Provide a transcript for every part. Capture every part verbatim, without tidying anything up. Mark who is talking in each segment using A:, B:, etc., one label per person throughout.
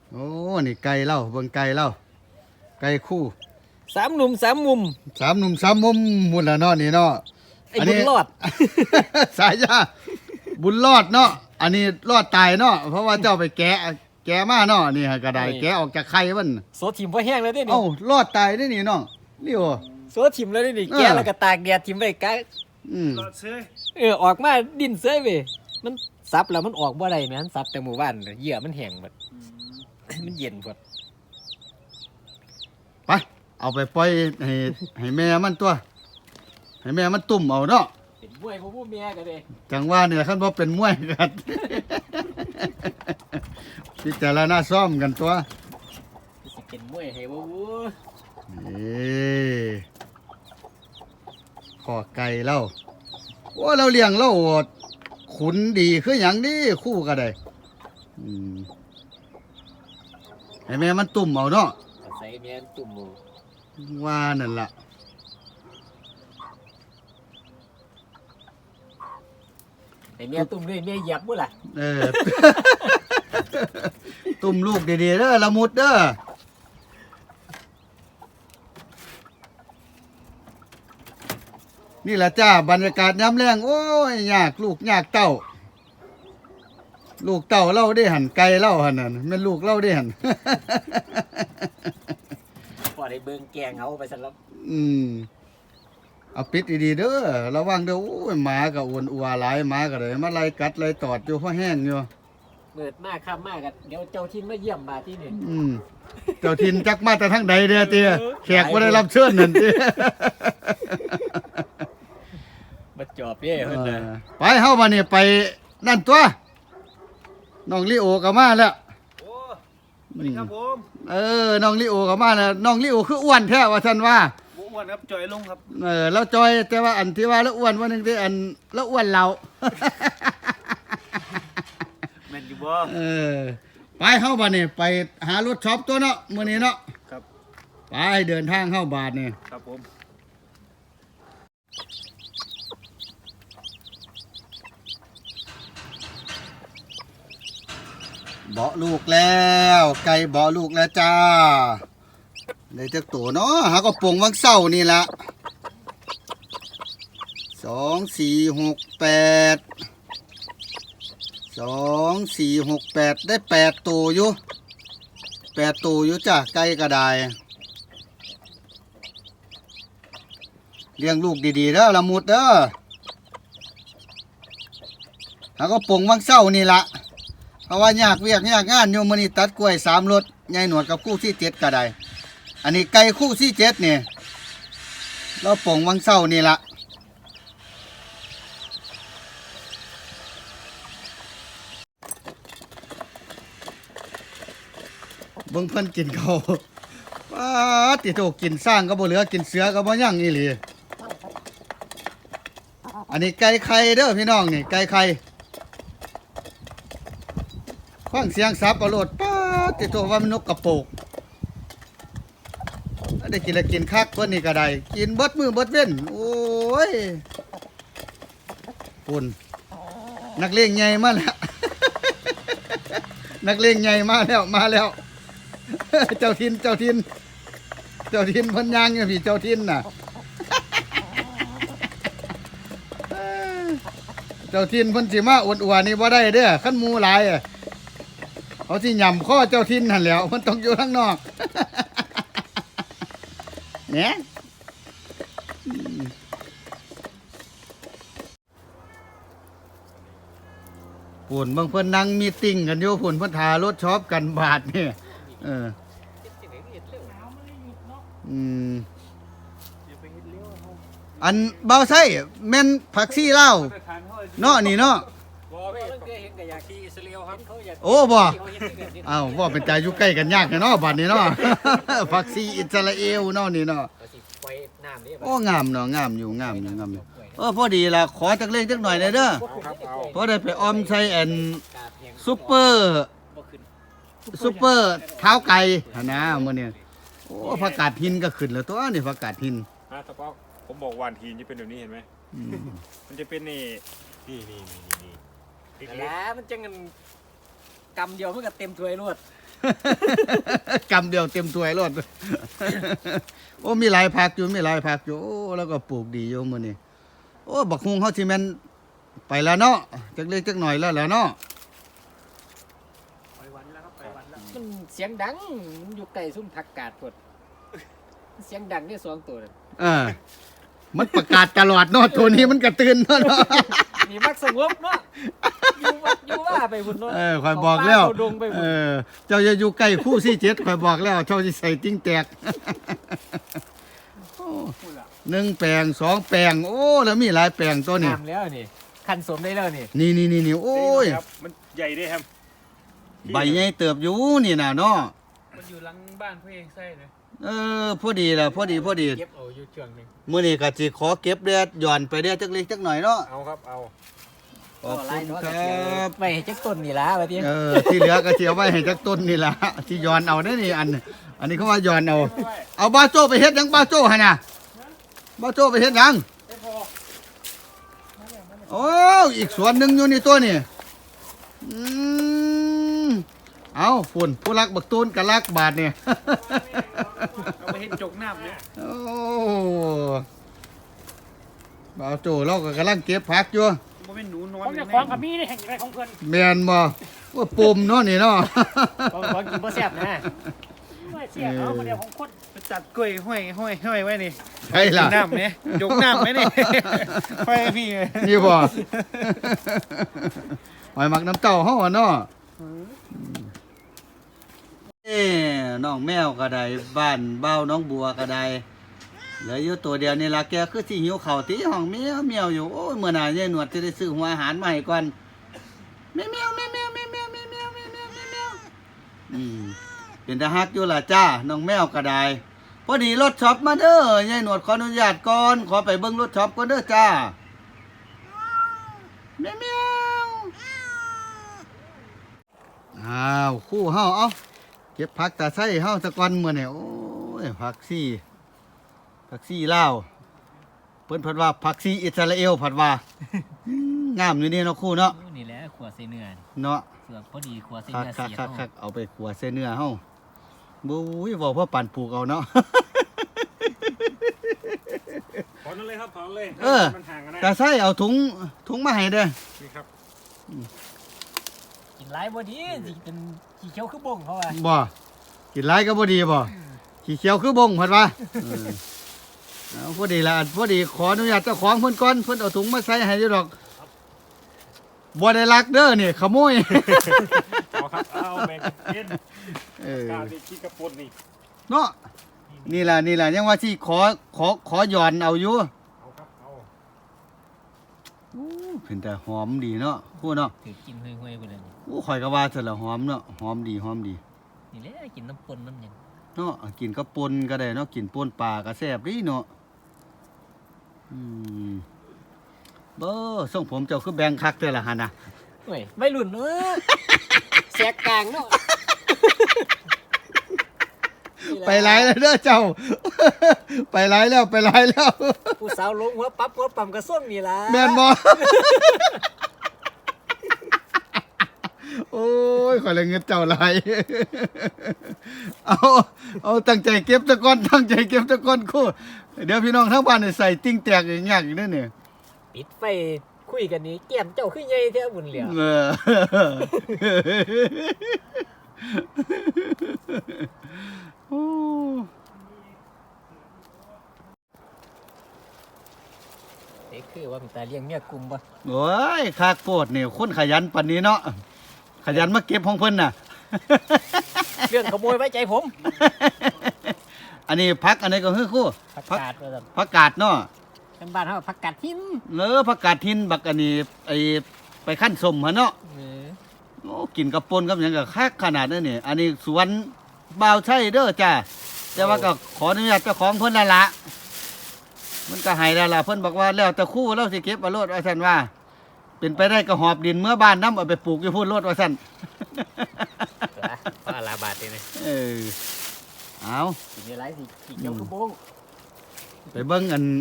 A: โอ้นี่ไก่เล่าเบิ่งไก่เล่าไก่คู่
B: สามหนุ่มสามมุม
A: สามหนุ่มสามมุมมุนละเนาะนี่เนาะ
B: ไอ้บุญรอด
A: สายยาบุญรอดเนาะอันนี้รอดตายเนาะเพราะว่าเจ้าไปแกะแกะมาเนาะนี่ฮะกระไดแกะออกจากไข่มัน
B: โซทิมพอแห้งแล้วได้นี่
A: เอ้ารอดตายได้นี่น้องนี่โอ
B: โซทิมแล้วได้นี่แกแล้วก็ตากแดดทิมไว้กะ
A: อืม
B: เออออกมาดิ้นเซ้ยเว้ยมันซับแล้วมันออกบ่ได้แม่นซับแต่หมู่บ้านเหยื่อมันแห้งหมดมันเย็นหมด
A: ไปเอาไปปล่อยให้ให้แม่มันตัวให้แม่มันตุ่มเอาเนาะ
B: เป็นมวยบ่ผู้แม่ก็ได้
A: จังว่าเนี่ยคันบ่เป็นมวยกันพิจารณาซ้อมกันตัว
B: สิเป็นมวยให้บ่วู้
A: นี่ขอไก่เล่าโอ้เราเลี้ยงเราขุนดีคืออย่างนี้คู่ก็ได้อืมให้แม่มันตุ่มเอาเนาะ
B: ใส่แม่นตุ่มหมู
A: ว่านั่นล่ะ
B: ไอ้แม่ตุ่มด้วยแม่เหยียบบ่ล่ะ
A: เออ ตุ่มลูกดีๆเด้อละมุดเด้อนี่แหละจ้าบรรยากาศย้ำแรงโอ้ยยากลูกยากเต้าลูกเต้าเล่าได้หันไก่เล่าหันนั่นแม่ลูกเล่าได้หัน
B: พอได้เบิ่งแกงเอาไปซะแล้ว
A: อืมเอาปิดดีๆเด้อระวังเด้อโอ้ยหมาก็อ้วนอัวหลายหมาก็เลยมาไล่กัดไล่ตอดอยู่เพราะแห้งอยู่
B: เปิดมากค่ำมากกันเดี๋ยวเจ้าทินมาเยี่ยมบาที่นี่
A: อืมเจ้าทินจักมาแต่ทั้งใดเด้อเตี้ยแขกบ่ได้รับเชิญนั่นเตี้ย
B: มาจอบเด้เพิ่นน่ะ
A: ไปเฮามานี่ไปนั่นตัวน้องลิโอก็มาแล้ว
C: โอ้สวัสดีครับผม
A: เออน้องลิโอก็มาแล้วน้องลิโอคืออ้วนแท้ว่าซั่นว่า
C: บ่อ้วนครับจอยลงครับ
A: เออแล้วจอยแต่ว่าอันที่ว่าแล้วอ้วนว่านึงที่อันแล้วอ้วนเรา
C: แม่นอยู่บ่
A: เออไปเฮาบัดนี้ไปหารถช็อปตัวเนาะมื้อนี้เนาะ
C: ครับ
A: ไปเดินทางเข้าบาทนี่
C: ครับผม
A: เบาะลูกแล้วไก่เบาะลูกแล้วจ้าได้จักตัวเนาะหาก็ปงวังเศร้านี่ละสองสี่หกแปดสองสี่หกแปดได้แปดตัวอยู่แปดตัวอยู่จ้าไก่กระไดเลี้ยงลูกดีๆเด้อละมุดเด้อหาก็ปงวังเศร้านี่ละเพราะว่ายากเวียกยากงานโยมนี่ตัดกล้วยสามรถยายหนวดกับคู่ที่เจ็ดก็ได้อันนี้ไก่คู่ที่เจ็ดเนี่ยเราป่งวังเศร้านี่ละเบิ่งเพิ่นกินเขาว้าติโตกินสร้างก็บ่เหลือกินเสือก็บ่ยั่งอีหลีอันนี้ไก่ไข่เด้อพี่น้องนี่ไก่ไข่ฟังเสียงซับเอาโลดป้าติโตว่ามันนกกระโปกได้กินแล้วกินคักเพิ่นนี่ก็ได้กินเบิดมือเบิดเว้นโอ้ยปุ่นนักเลงใหญ่มาแล้ว นักเลงใหญ่มาแล้วมาแล้ว เจ้าทินเจ้าทินเจ้าทินเพิ่นย่างอยู่พี่เจ้าทินน่ะ เจ้าทินเพิ่นสิมาอวดอวดนี่บ่ได้เด้อคันหมู่หลายอะเขาสิย่ำข้อเจ้าทินนั่นแหล้วมันต้องอยู่ข้างนอกเนี่ยฝุ่นบางเพิ่นนั่งมีติ้งกันอยู่ฝุ่นเพิ่นทารถช็อปกันบาทเนี่ยเอออืมอันเบาไส้แม่นผักซี่เล่าเนาะนี่เนาะโอ้บ่อ้าวว่าเป็นใจอยู่ใกล้กันยากเนาะบัดนี้เนาะผักซี่อิสราเอลเนาะนี่เนาะโอ้งามเนาะงามอยู่งามอยู่งามอยู่เออพอดีล่ะขอจักเล่งจักหน่อยเลยเด้อพอได้ไปออมใส่แอนซุปเปอร์ซุปเปอร์เท้าไก่นะมื้อนี้โอ้ผักกาดหินก็ขึ้นแล้วตัวนี่ผักกาดหิน
C: ฮะตะปอกผมบอกวานทีนจะเป็นแบบนี้เห็นไหมมันจะเป็นนี่นี่นี่นี่นี่
B: แล้วมันจะเงินกำเดียวมันก็เต็มถ้วยรวด
A: กำเดียวเต็มถ้วยรถ โอ้มีหลายผักอยู่มีหลายผักอยู่โอ้แล้วก็ปลูกดีอยู่มื้อนี้โอ้บักฮุงเฮาสิแม่นไปแล้วเนาะจักเล็กจักหน่อยแล้วแหละเนาะ
C: ไปวันแล้วครับไปวันแล้ว
B: มันเสียงดังมันอยู่ใกล้ซุ้มผักกาดพดเสียงดังนี่สองตัวนั่น
A: เออมันประกาศตลอดเนาะตัวนี้มันก็ตื่นเนาะ
B: นี่มักสงบเนาะอยู่วัดอยู่ว่าไปพุ่นเนาะ
A: เออข่อยบอกแล้ว
B: เข้าดงไป
A: เอ
B: พุ่น
A: อเจ้าอย่าอยู่ใกล้คู่สี่เจ็ดข่อยบอกแล้วเจ้าสิใส่ติ้งแตก โอ้หนึ่งแปลงสองแปลงโอ้แล้วมีหลายแปลงตัวนี้
B: งามแล้วนี่คันสมได้แล้วนี่
A: นี่นี่นี่นี่โอ้ย
C: ครับมันใหญ่ด้วยครับ
A: ใบใหญ่เติบอยู่นี่น่ะเนาะ
C: มันอยู่หลังบ้านพี่ไส้เลย
A: เออพอดีล่ะพอดีพอดี
B: เก็บเอาอยู่ช่วงหนึง
A: มื้อนี้ก็สิขอเก็บเดือดหย่อนไปเดือดจักเล็กจักหน่อยเนาะ
C: เอาครับเอา
A: ขอบคุณค
B: เ
A: รับ
B: ไปให้จักต้นนี่ล่ะว่าติ
A: เออที่เหลือก็สิเอาไว้ให้จักต้นนี่ล่ะที่หย่อนเอาเด้อนี่อัน อันนี้เขาว่าหย่อนเอา เอาบ้าโจ้ไปเฮ็ดหยังบ้าโจ้หั่นน่ะบ้าโจ้ไปเฮ็ดหยังโอ้อีกสวนหนึงอยู่นี่ตัวนี่อืมเอาฝุ่นผู้รักบักตูนกับรักบาทเนี่ย
C: เอาไปเห็นจกน้ำเนี่ย
A: โอ้บ่าวโจ้เราก็กำลังเก็บผักอยู่
C: มันเป็นหนูนอน
D: ผมจะของกับมีนี่แห่งไรของเพิ่น
A: แม่นบ่ว่าปุ่มเนาะนี่เนาะ
B: ของของกินบ่แซ่บนะ
D: ไม่เสียเขาคนเดียวของคน
C: ไปตัดกล้วยห้อยห้อยห้อยไว้นี่
A: ใช่ล่ะ
C: น้ำเนี่ยจกน้ำไหมนี่ ห้อยให้พี่
A: นี่บ่หอยหมักน้ำเต้าเฮาอะเนาะเอ้น้องแมวก็ได้บ้านเบ้าน้องบัวก็ได้เหลืออยู่ตัวเดียวนี่ล่ะแกคือสิหิวข้าวติห้องเมียวเมียวอยู่โอ้ยมื้อหน้ายายหนวดจะได้ซื้อหัวอาหารมาให้ก่อนแมวแมวแมวแมวแมวแมวแมวแมวแมวแมวแมวอืมเป็นตาฮักอยู่ล่ะจ้าน้องแมวก็ได้พอดีรถช็อปมาเด้อยายหนวดขออนุญาตก่อนขอไปเบิ่งรถช็อปก่อนเด้อจ้าแมวแมวอ้าวคู่เฮาเอ้าเก็บผักตาไส้เฮาตะกอนมื้อนี้โอ้ยผักซี่ผักซี่ลาวเพิ่นเพิ่นว่าผักซี่อิสราเอลเพิ่นว่า อืมงามอยู่นี่เนาะคู่เนาะ
B: นี่แหละขัวใส่เนื้อ
A: เนาะ
B: เสือกพอดีขัวใส่
A: คัก
B: เนื้อ
A: คัก
B: เสีย
A: คักคักเอาไปขัวใส่เนื้อเฮาบุ้ยบอกพ่อปั่นปลูกเอาเนาะ
C: ถอนเลยครับถอนเลย
A: เออ
C: มันห่างกันนะ
A: ตาไส้เอาถุงถุงมาให้เด้อ
C: นี่ครับ
B: กินหลายบ่ดีสิเป็นขี้เขียวคือบ่งเขาว่า
A: บ่กินหลายก็บ่ดีบ่ขี้เขียวคือบงเพิ่นว่าเออเอาพอดีละอันพอดีขออนุญาตเจ้าของเพิ่นก่อนเพิ่นเอาถุงมาใส่ให้อยู่ดอกบ่ได้ลักเด้อนี่ขโมย
C: เอาครับเอาแบ่งกิน
A: เออก
C: าดีขี้กระปุนนี่
A: เนาะนี่ล่ะนี่ล่ะยังว่าที่ขอขอขอหย่อนเอาอยู่
C: เอาครับเอา
A: อู้เป็นแต่หอมดีเนาะพูดเนาะ
B: ถือกินห่วยๆไปเลย
A: อู้ข่อยก็ว่าซั่นละหอมเนาะหอมดีหอมดี
B: นี่แหละกินน้ำปนน้ำหยัง
A: เนาะกินกับปนก็ได้เนาะกินปนปลาก็แซ่บดีเนาะอืมเบ้อส่งผมเจ้าคือแบงคักเด้อล่ะหั่นน่ะ
B: เฮ้ยไม่รุ่นเออแสกกลางเนาะ
A: ไปหลายแล้วเด้อเจ้า ไปหลายแล้วไปหลายแล้ว
B: ผู้สาวลงหัวปั๊บหัวปั๊มกระส้มนี่ล่ะ
A: แม่นบ่ โอ้ยข่อยเลยเงินเจ้าหลาย เอาเอาตั้งใจเก็บตะก้อนตั้งใจเก็บตะก้อนคู่เดี๋ยวพี่น้องทั้งบ้านนี่ใส่ติ้งแตกอย่างยากอีกเด้อเนี่ย
B: ปิดไฟคุยกันนี่แก้มเจ้าคือใหญ่แท้บุญเหลียว
A: เออ โอ้
B: เด็กคือว่ามีตาเลี้ยงเมียกลุ่มบ่
A: โอ้ยคากโพดนี่คนขยันปานนี้เนาะขยันมาเก็บของเพิ่นน่ะ
B: เรื่องขโมยไว้ใจผม
A: อันนี้พักอันนี้ก็คือคู่
B: ผัก
A: พัก
B: กาดว่าซั่น
A: ผักกาดเนาะ
B: ทางบ้านเฮาผักกาดหิน
A: เออผักกาดทินบักอันนี้ไอไปขั้นสมหั่นเนาะ
B: เออ
A: โอ้กินกับปนกับหยังก็คักขนาดนั้นนี่อันนี้สวนบ่าวใช่เด้อจ้าแต่ว่าก็ขออนุญาตเจ้าของเพิ่นนั่นละมันก็ให้แล้วล่ะเพิ่นบอกว่าแล้วแต่คู่เราสิเก็บเอาโลดว่าซั่นว่า เป็นไปได้ก็หอบดินเมื่อบ้านน้ำเอาไปปลูกอยู่พุ่นโลดว่าซั่น
B: ล่ะว่าลาบาดนี่นะ
A: เออเอา
B: สิมีหลายสิขี้เขียวคือบ่ง
A: ไปเบิ่งอัน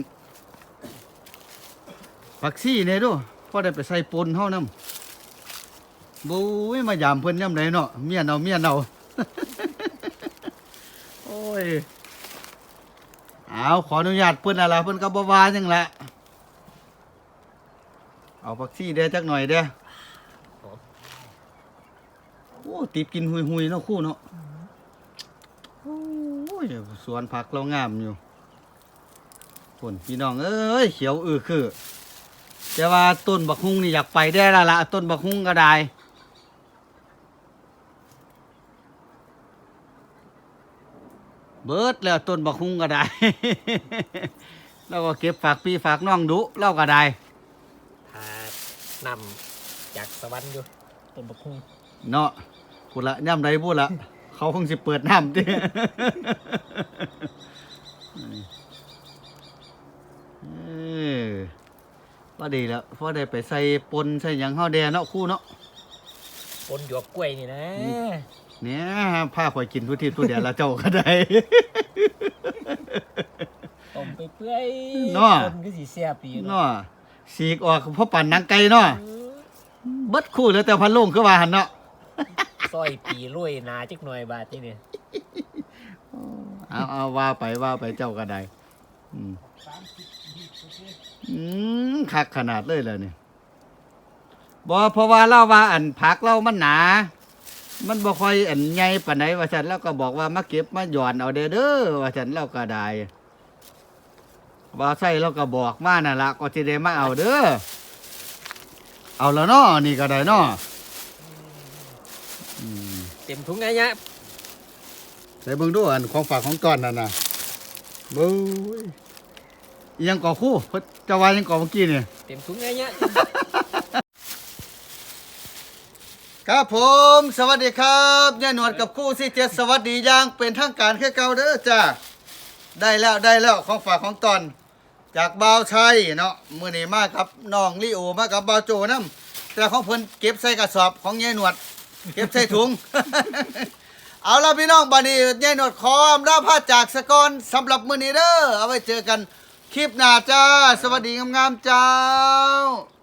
A: ผักซี่นี่ดูพอได้ไปใส่ปนเฮานำบุ้ยมายามเพิ่นยามใดเนาะเมียนเอาเมียนเอาโอ้ยเอาขออนุญาตเพิ่นอะไรเพิ่นก็บ่ว่าจังละเอาผักชีเด้อจักหน่อยเด้อโอ้ติดกินหุยๆเนาะคู่เนาะโอ้ยสวนผักเรางามอยู่คนพี่น้องเอ้ยเขียวอือคือแต่ว่าต้นบักฮุ่งนี่อยากไปได้และละต้นบักฮุ่งก็ได้เบิดแล้วต้นบักฮุ่งก็ได้ แล้วก็เก็บฝากพี่ฝากน้องดุเล่าก็ได้
B: ทานำจากสวรรค์อยู่ต้นบักคุ้ง
A: เนาะพูดละย่ำใดพูดละ เขาคงสิเปิดน้ำดิ เออว่าดีแล้วพอได้ไปใส่ปนใส่หยังเฮาแดเนาะคู่เนาะ
B: ปนหยวกกล้วยนี่นะ
A: เนี่ยผ้าข่อยกินทุกทีทุกเดียวแล้วเจ้าก็ได้
B: ต้มไปเปื่อย
A: เนาะ
B: ปนก็สิแซ่บดี
A: เนาะสีกออกเพราะปั่นหนังไก่เนาะเบิดคู่แล้วแต่พันลุงคือว่าหันเนาะ
B: ซอยปีลุยหนาจักหน่อยบาดนี่นี่
A: เอาเอาว่าไปว่าไปเจ้าก็ได้อืมอืมคักขนาดเลยเลยเนี่ยบ่เพราะว่าเล่าว่าอันผักเรามันหนา มันบ่ค่อยอันใหญ่ปานใดว่าฉันแล้วก็บอกว่ามาเก็บมาหย่อนเอาเด้อเด้อว่าฉันเราก็ได้ว่าใส่เราก็บอกมานั่นละก็สิได้มาเอาเด้อเอาแล้วเนาะนี่ก็ได้เนาะอืม
B: เต็มถุงไงเนี่ย
A: ใส่เบิ่งดูอันของฝากของต้อนนั่นน่ะเบ้ยอิหยังก่อคู่เพิ่นจะว่าอิหยังก่อเมื่อกี้นี่
B: เต็มถุงไงเนี่ย
A: ครับผมสวัสดีครับยายหนวดกับคู่สี่เจ็ดสวัสดีอย่างเป็นทางการแค่เก่าเด้อจ้าได้แล้วได้แล้วของฝากของตอนจากบ่าวชัยเนาะมื้อนี้มากับน้องลิโอมากับบ่าวโจนำแต่ของเพิ่นเก็บใส่กระสอบของยายหนวด เก็บใส่ถุง เอาล่ะพี่น้องบัดนี้ยายหนวดขออำลาพาจากสกอนสำหรับมื้อนี้เด้อเอาไว้เจอกันคลิปหน้าจ้าสวัสดีงามๆเจ้า